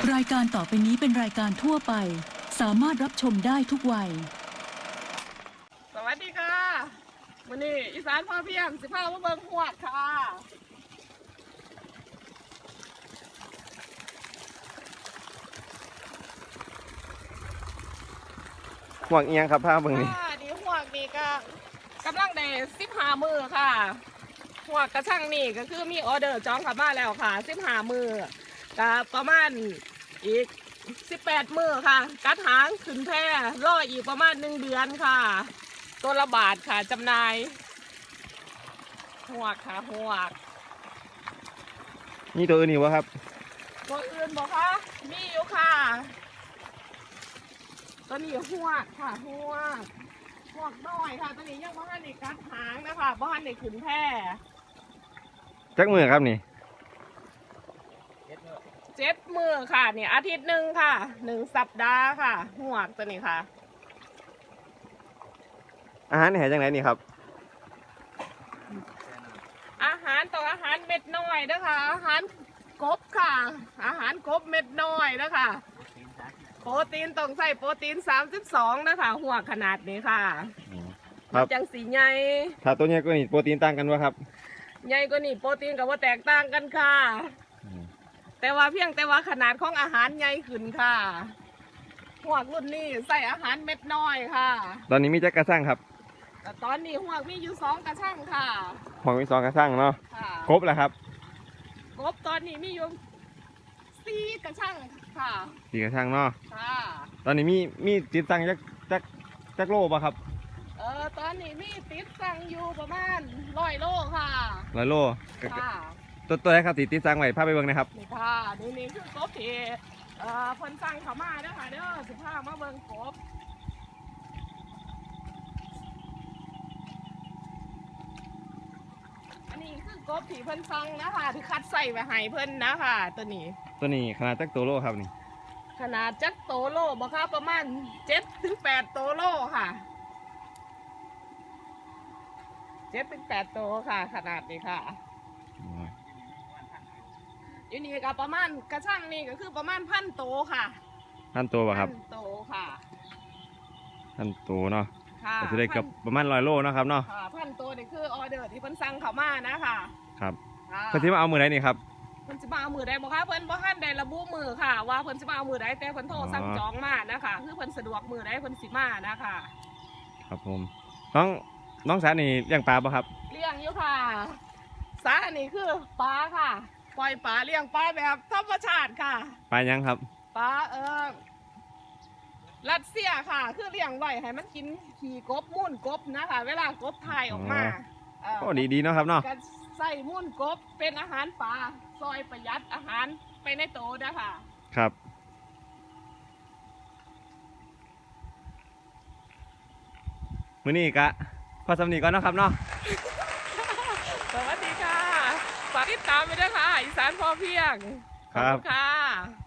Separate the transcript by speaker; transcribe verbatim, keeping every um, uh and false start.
Speaker 1: รายการต่อไปนี้เป็นรายการทั่วไปสามารถรับชมได้ทุกวัย
Speaker 2: สวัสดีค่ะวันนี้อีสานพอเพียงสิพามาเบิ่งหวดค่ะ
Speaker 3: ห่วงเอียงครับผ้าเบิ่งนี่
Speaker 2: ค่ะดีหวดนี่ก็กำลังได้สิบห้ามือค่ะหวดกระช่างนี่ก็คือมีออเดอร์จองกลับบ้านแล้วค่ะสิบห้ามือก็ประมาณอีกสิบแปดมือค่ะกัดหางขึ้นแพร่รออีกประมาณหนึ่งเดือนค่ะตัวละบาทค่ะจำหน่ายหวกค่ะหวก
Speaker 3: นี่ตัวอื่นนี่วะครับ
Speaker 2: ตัวอื่นบอกคะมีอยู่ค่ะตัวนี้หวกค่ะหวกหวกน้อยค่ะตัวนี้ยังบ้านในกัดหางนะคะบ้านในขึ้นแพร่
Speaker 3: จักมือครับนี่
Speaker 2: เจ็ดมือค่ะเนี่ยอาทิตย์หนึ่งค่ะหนึ่งสัปดาห์ค่ะหวกตัวนี้ค่ะ
Speaker 3: อาหารนี่ให้จังไหนนี่ครับ
Speaker 2: อาหารต่ออาหารเม็ดน้อยนะคะอาหารกบค่ะ อาหารกบเม็ดน้อยนะคะโปรตีนต้องใส่โปรตีนสามสิบสองนะคะหัวขนาดนี้ค่ะ
Speaker 3: ครับ
Speaker 2: จังสีใหญ่
Speaker 3: ถ้าตัวนี้ก็นี่โปรตีนต่างกันวะครับ
Speaker 2: ใหญ่กว่านี่โปรตีนกับว่าแตกต่างกันค่ะ แต่ว่าเพียงแต่ว่าขนาดของอาหารใหญ่ขึ้นค่ะหัวรุ่นนี้ใส่อาหารเม็ดน้อยค่ะ
Speaker 3: ตอนนี้มีจักกระซังครับ
Speaker 2: แต่ตอนนี้หัวมีอยู่สองกระช่างค่ะ
Speaker 3: ห่วงมีสองกระซังเนาะ
Speaker 2: ค่ะ
Speaker 3: ครบแล้วครับ
Speaker 2: กบตอนนี้มีอยู่สี่กระช่างค่ะ
Speaker 3: สี่กระซังเนาะ
Speaker 2: ค่ะ
Speaker 3: ตอนนี้มีมีติดตังจักจักจักโลป่ะครับ
Speaker 2: เออตอนนี้มีติดสั่งอยู่ประมาณร้อยโลค่ะ
Speaker 3: ร้อยโล
Speaker 2: ค่ะ
Speaker 3: ตัวตัวไหนครับติดติดตังไว้พาไปเบิ่งนะครับ
Speaker 2: นี่ค่ะนี่นี่คือกบที่เอ่อคนสั่งเขามาเด้อค่ะเด้อสิพามาเบิ่งกบอันนี้คือกบที่เพิ่นสั่งนะคะที่คัดใส่ไว้ให้เพิ่นนะคะตัวนี้
Speaker 3: ตัวนี้ขนาดจักตัวโลครับนี่
Speaker 2: ขนาดจักโตโลบ่ค่ะประมาณเจ็ดถึงแปดโตโลค่ะเจ็ดถึงแปดโตค่ะ ขนาดนี้ค่ะอยู่นี่ก็ประมาณกระช่างนี่ก็คือประมาณพันโตค่ะ
Speaker 3: พันตัวป่ะครับ
Speaker 2: พันโตค่ะ
Speaker 3: พันตัวเนาะ
Speaker 2: ค่ะ
Speaker 3: ก็จะได้เกับประมาณร้อยโลเนาะครับเนาะ
Speaker 2: ค่ะพันโตนี่คือออเดอร์ที่เพิ่นสั่งเขามานะคะ
Speaker 3: ครับ
Speaker 2: ค่ะ
Speaker 3: เพิ่นสิมาเอามือไหนนี่ครับ
Speaker 2: เพิ่นสิมาเอามือใดบ่คะเพิ่นบ่ทันได้ระบุมือค่ะ ว่าเพิ่นสิมาเอามือใดแต่เพิ่นโทรสั่งจองมานะคะคือเพิ่นสะดวกมือใดเพิ่นสิมานะคะ
Speaker 3: ครับผม น้องน้องสาวนี่เลี้ยงปลาป่ะครับ
Speaker 2: เลี้ยงอยู่ค่ะสาอันนี้คือปลาค่ะปล่อยปลาเลี้ยงปลาแบบธรรมชาติค่ะ
Speaker 3: ปลายังครับ
Speaker 2: ปลาเออรัสเซียค่ะ คือเลี้ยงไว้ให้มันกินขี่กบมุ่นกบนะคะ เวลากบถ่ายออกมาเ
Speaker 3: โอ้ดีดีเนาะครับเนาะ
Speaker 2: ก็ใส่มุ่นกบเป็นอาหารปลาซอยประหยัดอาหารไปในโตนะคะ
Speaker 3: ครับมื้อนี้กะพอสำนีก่อนเนาะครับเนาะ
Speaker 2: สวัสดีค่ะฝากติดตามไปด้วยค่ะอีสานพอเพียงขอบคุณค่ะ